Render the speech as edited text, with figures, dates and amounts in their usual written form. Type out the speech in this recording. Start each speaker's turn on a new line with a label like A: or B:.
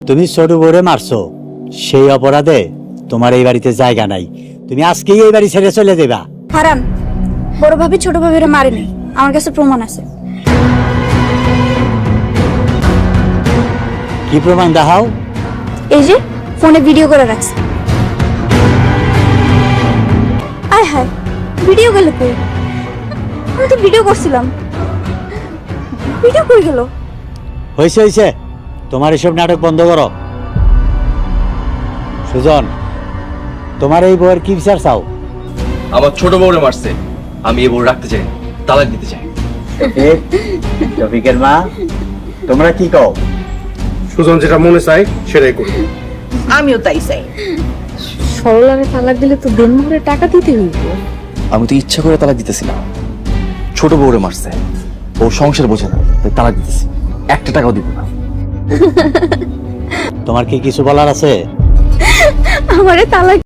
A: তুমি ছোট বউরে মারছো, সেই অপরাধে তোমার এই বাড়িতে জায়গা নাই। তুমি আজকেই এই বাড়ি ছেড়ে চলে যাবা।
B: হারান, বড় ভাবি ছোট ভাবিরে মারেনি, আমার কাছে প্রমাণ আছে।
A: কি প্রমাণ দেখাও?
B: এই যে ফোনে ভিডিও করে রাখছে। আয় হায়, ভিডিও গেল কই? আমি তো ভিডিও করছিলাম, ভিডিও কই গেল?
A: হয়েছে হয়েছে, তোমার এসব নাটক বন্ধ করো। সুজন, তোমার এই বউয়ের কি বিচার চাও?
C: আমার ছোট বউরে মারছে, আমি এই বউ রাখতে চাই, তালাক দিতে চাই।
A: শফিকের মা, তোমরা কি কও?
D: সুজন যেটা মনে চায় সেটাই করি।
E: আমিও তাই চাই।
F: সরলারে তালাক দিলে তো দেনমোহরে টাকা দিতে হইব।
C: আমি তো ইচ্ছা করে তালাক দিতেছি না, ছোট বউরে মারছে, ও সংসার বোঝে না, তাই তালাক দিতেছি। 1 টাকাও দিব না।
A: তোমার কি কিছু বলার আছে?
B: আমারে তালাক